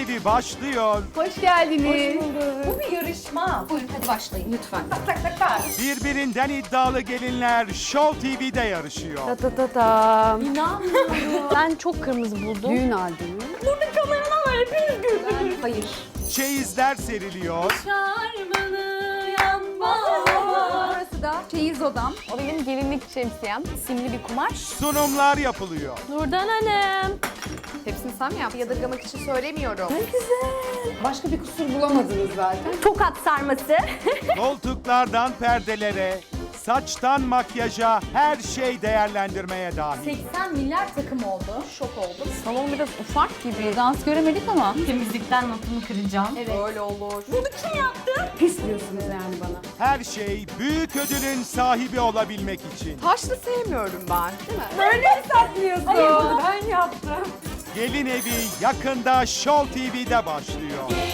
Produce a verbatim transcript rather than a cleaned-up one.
Evi başlıyor. Hoş geldiniz. Bu bir yarışma. Buyurun hadi başlayın. Lütfen. Tak tak tak tak. Birbirinden iddialı gelinler Show T V'de yarışıyor. Ta ta ta ta. İnanmıyorum. Ben çok kırmızı buldum. Düğün albümü. Burada kameraman var hepiniz gördünüz. Hayır. Çeyizler seriliyor. Şarmanı yanma. Burası da çeyiz odam. O benim gelinlik şemsiyem. Simli bir kumaş. Sunumlar yapılıyor. Nurdan Hanım. Hepsini sen mi yaptın? Yadırgamak için söylemiyorum. Başka bir kusur bulamadınız zaten. Tokat sarması. Koltuklardan perdelere, saçtan makyaja her şey değerlendirmeye dahil. seksen milyar takım oldu. Şok oldum. Salon biraz ufak gibi. Dans göremedik ama. Temizlikten notumu kıracağım. Evet. Öyle olur. Pis diyorsunuz yani bana. Her şey büyük ödülün sahibi olabilmek için. Taşlı sevmiyorum ben. Değil mi? Böyle mi saklıyorsun? Hayır bunu ben yaptım. Gelin Evi yakında Show T V'de başlıyor.